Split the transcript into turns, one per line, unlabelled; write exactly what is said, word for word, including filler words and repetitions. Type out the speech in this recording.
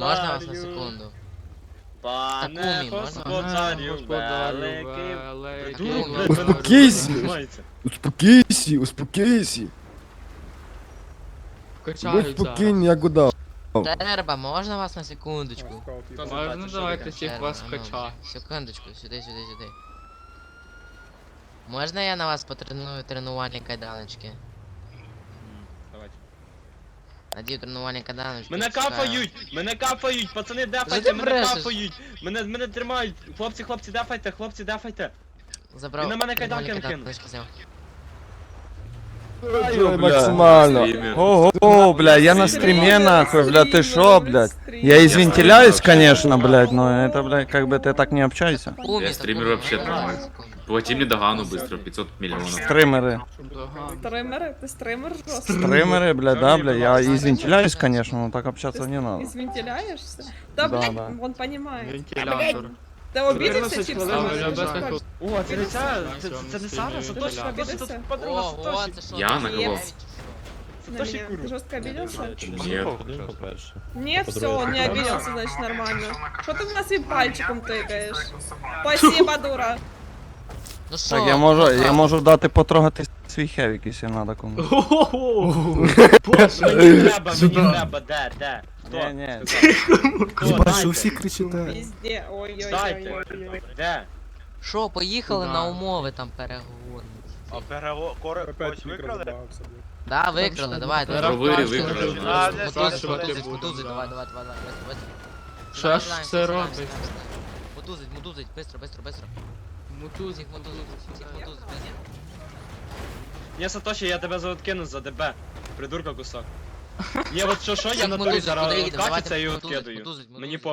Можна вас на
господарю,
секунду?
пане
Такумі, можна?
господарю, великий. Придурок, блядь,
Успокійся.
розуміється.
Успокійся, успокійся. Будь
Качаються.
спокійний, як удав.
Треба, можна вас на секундочку?
Хто
Можна
запитає, що
давайте
таке?
всіх
Треба,
вас
а ну,
кача.
Секундочку, сюди, сюди, сюди. Можна я на вас потреную тренувальні кайданочки?
М, давайте.
Надію тренувальні кайданочки.
Мене
чекаю.
капають! Мене капають! Пацани,
Що
дефайте,
ти
мене
брешеш?
капають! Мене, мене тримають! Хлопці, хлопці, дефайте, хлопці, дефайте!
Забрав.
Він на мене
тренувальні
кайданки
кайданочки зняв.
Ой, максимально. Ого, бля, я на стриме нахуй, бля, ты шо, блядь? Я извинтиляюсь, конечно, блядь, но это, блядь, как бы ты так не общайся.
Кумі,
Я стример
Такумі,
вообще
можна вас на
нормально.
секунду?
Плати мне догану быстро, пятьсот миллионов.
Стримеры.
Стримеры? Ты стример жесткий?
Стримеры, бля, да, бля, я извинтиляюсь, конечно, но так общаться
Ты
не надо.
извентиляешься? Да,
Да,
блядь,
да.
он понимает.
Вентилятор.
Ты обиделся,
Чотирнадцять
чипсы?
хвилин,
Можешь
без
сказать?
О, це не ця, це,
Цьому
це не
стрімі
Сара, Сатоші,
вентилятор.
Сатоші, тут
Обідався?
подруга
Ого,
Сатоші.
це що?
Я
ти
на
є?
кого?
Сатоші
На меня.
куру.
Ты жестко обиделся?
Нет.
по-перше.
Нет, все, он не обиделся, значит нормально. Что ты у нас и пальчиком тыкаешь? Спасибо, дура.
Ну що?
Так, я можу, я можу дати потрогати свій хевік, якщо надо комусь.
Мені треба, мені треба, де, де? Хто?
Ні, ні.
Хто? Дайте.
всі кричите.
Везде,
Дайте.
ой-ой-ой.
Де?
Що, поїхали
Куда?
на умови там переговорні.
А переговори когось викрали?
Да, викрали, давайте.
Зараз
Провирі
бачите,
викрали,
що
да.
А,
зараз
не
Мотузить,
знаю,
спрашувати
мотузить,
будуть,
мотузить,
да.
давай, давай, давай, давай, быстро, быстро.
Що ж
Сідаємо,
це
сідаємо,
робить?
сідаємо, сідаємо. Мотузить, мотузить, быстро, быстро, быстро.
Мотузик,
Всіх мотузить, всіх мотузить, быстро.
Ні, Сатоші, я тебе заоткину за ДБ. Придурка кусок. Ні, от що, що, я
Всіх
на турі
мотузить,
зараз
куди їдемо?
откатиться
Давайте
і
мотузить,
откидаю.
мотузить,
Мені
мотузить.
по...